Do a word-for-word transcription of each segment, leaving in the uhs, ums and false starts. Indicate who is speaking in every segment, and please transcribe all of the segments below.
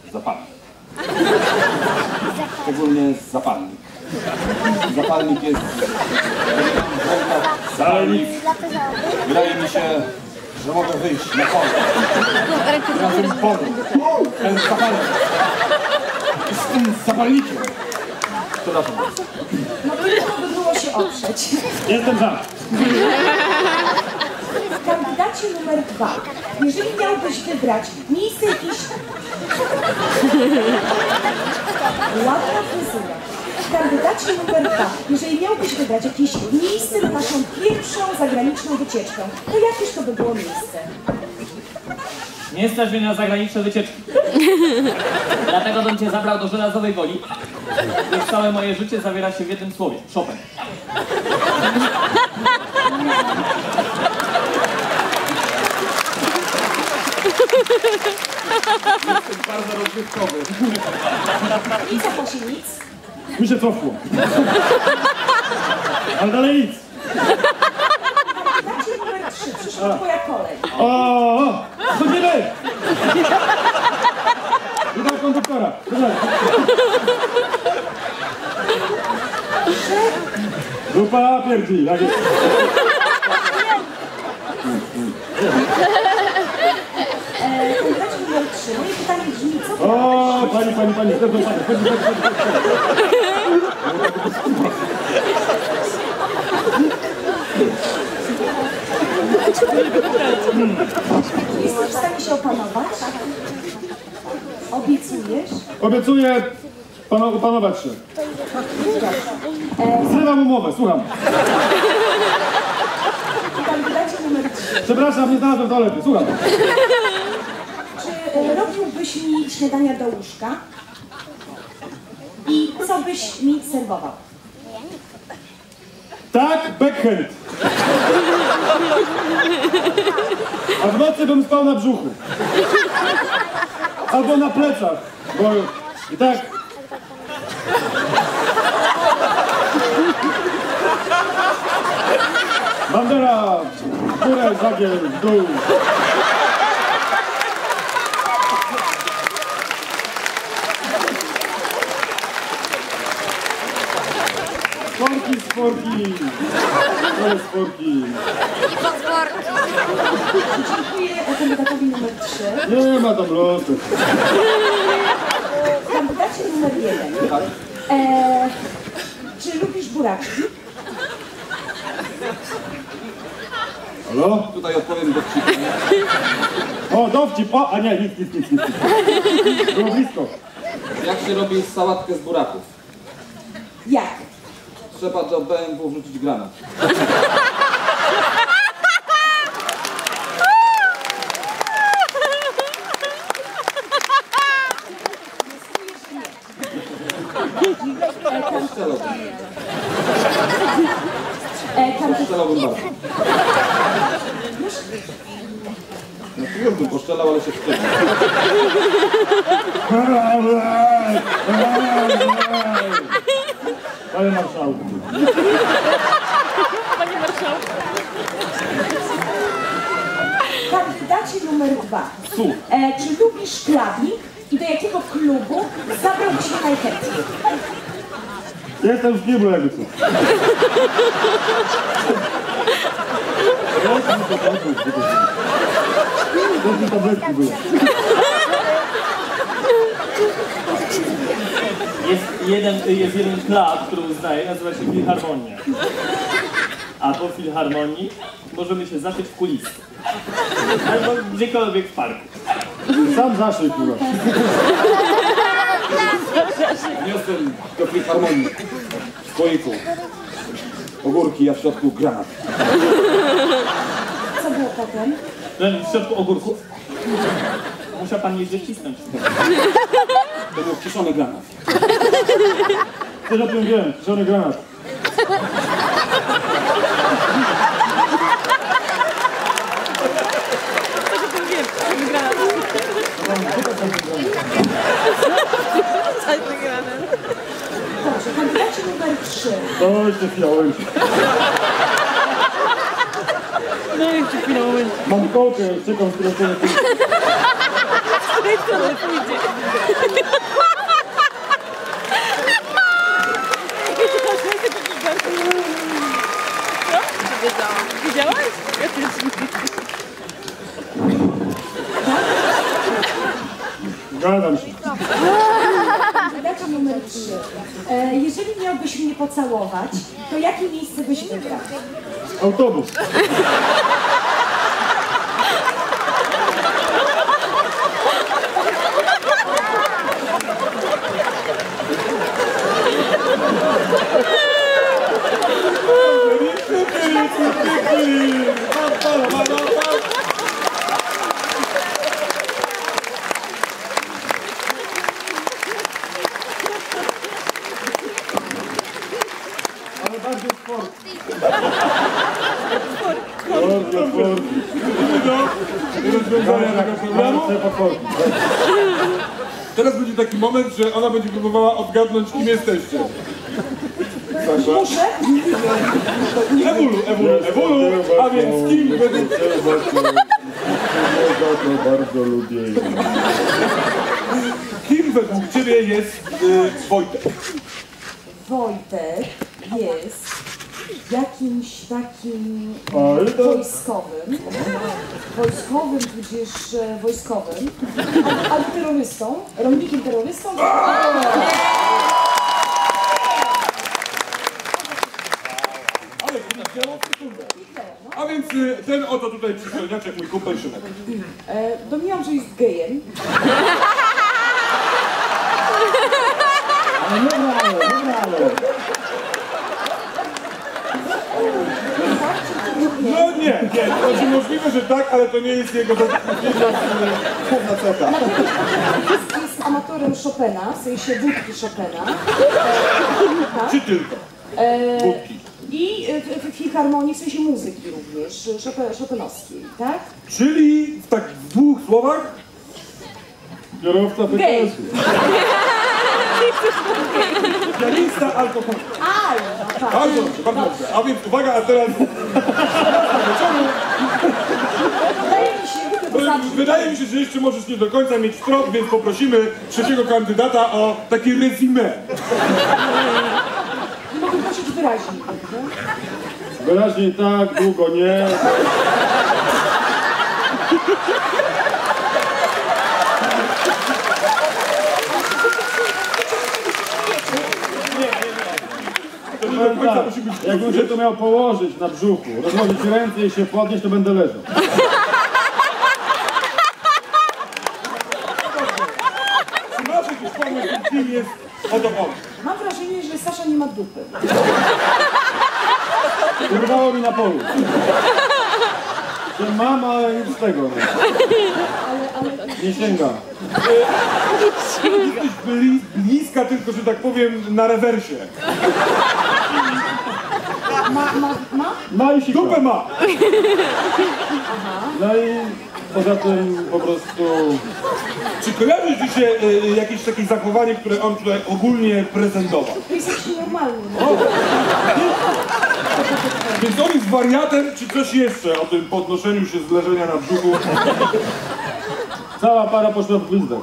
Speaker 1: zapalnik. Szczególnie zapalnik. Zapalnik jest... Zapalnik. Wydaje mi się, że mogę wyjść na pole. Na tym polu. Ten zapalnik. I z tym zapalnikiem. Przepraszam.
Speaker 2: No trudno by było się oprzeć.
Speaker 1: Jestem za.
Speaker 2: W kandydacie numer dwa, jeżeli miałbyś wybrać miejsce jakieś... Ładna fryzura. W kandydacie numer dwa, jeżeli miałbyś wybrać jakieś miejsce na naszą pierwszą zagraniczną wycieczkę, to jakież to by było miejsce?
Speaker 3: Nie stać mnie na zagraniczne wycieczki. Dlatego bym cię zabrał do Żelazowej Woli, gdyż całe moje życie zawiera się w jednym słowie. Chopin.
Speaker 1: Jestem bardzo rozrywkowy.
Speaker 2: I co Posi, nic?
Speaker 1: Mi się cofło. Ale dalej nic.
Speaker 2: Kandydacie numer trzy, przyszła twoja kolej.
Speaker 1: O, o, chodzimy! Witam konduktora. Grupa pierdzi, tak jest.
Speaker 2: Kandydacie numer trzy, moje pytanie brzmi, co ty
Speaker 1: O,
Speaker 2: robisz?
Speaker 1: pani, pani, pani, zresztą pani, chodź, chodź, chodź,
Speaker 2: Jesteś w stanie się opanować? Obiecujesz?
Speaker 1: Obiecuję pana, opanować się. Zrywam umowę, słucham.
Speaker 2: Kandydacie numer trzy.
Speaker 1: Przepraszam, nie znalazłem toalety, słucham.
Speaker 2: Czy e, robiłbyś mi śniadania do łóżka? I co byś mi serwował?
Speaker 1: Tak, backhand. A w nocy bym spał na brzuchu. Albo na plecach, bo i tak... Bandera, w górę, żagiel, w dół. Sporki, sporki. To jest sporki.
Speaker 2: Dziękuję kandydatowi numer trzy.
Speaker 1: Nie ma tam losu.
Speaker 2: Kandydacie numer jeden. E, czy lubisz buraczki?
Speaker 1: Halo?
Speaker 4: Tutaj odpowiem dowcipem.
Speaker 1: O, dowcip! O, a nie, nic, nic, nic, nic. Było blisko.
Speaker 4: Jak się robi sałatkę z buraków?
Speaker 2: Jak?
Speaker 4: Trzeba do B M W wrzucić granat. Strzelałbym.
Speaker 2: E, kandydat...
Speaker 4: Strzelałbym bardzo. No to już bym poszczelał, ale się wstydzę.
Speaker 1: Panie marszałku.
Speaker 5: Panie marszałku.
Speaker 2: Kandydacie numer dwa. E, czy lubisz klubik i do jakiego klubu zabrałbyś się najchętniej?
Speaker 1: Jestem w kiblu, jakby co. To mi tabletki były.
Speaker 3: Jest jeden, jest jeden klub, który uznaje, nazywa się Filharmonia. A po Filharmonii możemy się zaszyć w kulisy. Albo gdziekolwiek w parku.
Speaker 1: Sam zaszyj, kurwa.
Speaker 4: Wniosłem do Filharmonii. W słoiku. Ogórki, a w środku granat.
Speaker 2: Co było potem?
Speaker 3: W środku ogórków musiał pan jeździć cisnąć.
Speaker 4: To był kiszony granat.
Speaker 1: Też o tym wiem, kiszony granat.
Speaker 2: Dobrze, kandydacie numer trzy.
Speaker 1: To jeszcze chwila, momencie.
Speaker 5: No jeszcze chwilę, moment.
Speaker 1: Mam kolkę, czekam, z której strony pójdzie.
Speaker 5: Z której strony pójdzie?
Speaker 6: Zgadzam się.
Speaker 2: Kandydacie numer trzy. E, jeżeli miałbyś mnie pocałować, to jakie miejsce byś wybrał?
Speaker 6: Autobus. Ale bardziej sport. Bardzo sport.
Speaker 4: Rozwiązania tego programu. Teraz będzie taki moment, że ona będzie próbowała odgadnąć, kim jesteście. Sasza?
Speaker 2: Muszę?
Speaker 4: Ewolu, ewolu, ewolu, a więc kim będzie...
Speaker 6: Ja to bardzo lubię.
Speaker 4: Kim według ciebie jest y, Wojtek?
Speaker 2: Wojtek jest jakimś takim
Speaker 6: Ale to-
Speaker 2: wojskowym, wojskowym, tudzież e, wojskowym, al- albo terrorystą, rolnikiem terrorystą.
Speaker 4: Ale wzięło w sekundę. A więc y, ten oto tutaj przystojniaczek, mój kumpel Szymek.
Speaker 2: E, Domniemam, że jest gejem.
Speaker 6: Ale nie brało, nie brało.
Speaker 4: No nie, nie, to znaczy możliwe, że tak, ale to nie jest jego główna cecha.
Speaker 2: Na pewno jest, jest amatorem Chopina, w sensie wódki Chopina. E,
Speaker 4: Czy tylko?
Speaker 2: e,
Speaker 4: Wódki.
Speaker 2: I w, w filharmonii, w sensie muzyki również, Chopin, chopinowskiej, tak?
Speaker 4: Czyli w tak w dwóch słowach
Speaker 6: Kierowca P K S-u.
Speaker 4: pianista, alkohol.
Speaker 2: Aj, no tak.
Speaker 4: Bardzo dobrze, bardzo dobrze. A więc uwaga, a teraz
Speaker 2: Wydaje mi się, że to
Speaker 4: wydaje mi się, że jeszcze możesz nie do końca mieć trop, więc poprosimy trzeciego kandydata o takie resume.
Speaker 2: mogę prosić wyraźniej, prawda?
Speaker 6: Wyraźniej tak, długo nie. Powiem tak, jakbym się to miał położyć na brzuchu, rozłożyć ręce i się podnieść, to będę leżał.
Speaker 4: Czy masz jakiś pomysł, kim jest oto on?
Speaker 2: Mam wrażenie, że Sasza nie ma dupy.
Speaker 6: Urwało mi na polu. Że mam, ale nic z tego. Nie,
Speaker 2: Ale, ale...
Speaker 6: nie sięga.
Speaker 4: Jesteś bli, bliska, tylko że tak powiem na rewersie.
Speaker 2: Ma, ma, ma?
Speaker 6: No i sika.
Speaker 4: Dupę ma!
Speaker 6: No i poza tym po prostu...
Speaker 4: Czy kojarzy ci się y, jakieś takie zachowanie, które on tutaj ogólnie prezentował?
Speaker 2: To jest jakiś normalny. No.
Speaker 4: Więc on jest wariatem, czy coś jeszcze o tym podnoszeniu się z leżenia na brzuchu?
Speaker 6: Cała para poszła w gwizdek.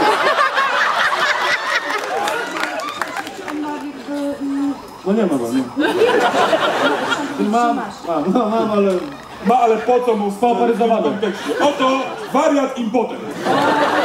Speaker 2: On ma jakby... Mm,
Speaker 6: No nie ma go, nie. Mam,
Speaker 2: masz.
Speaker 6: mam, no, mam, ale
Speaker 4: Ma, ale po co mu w
Speaker 6: Spaparyzowane.
Speaker 4: kontekście? Oto wariat impotent.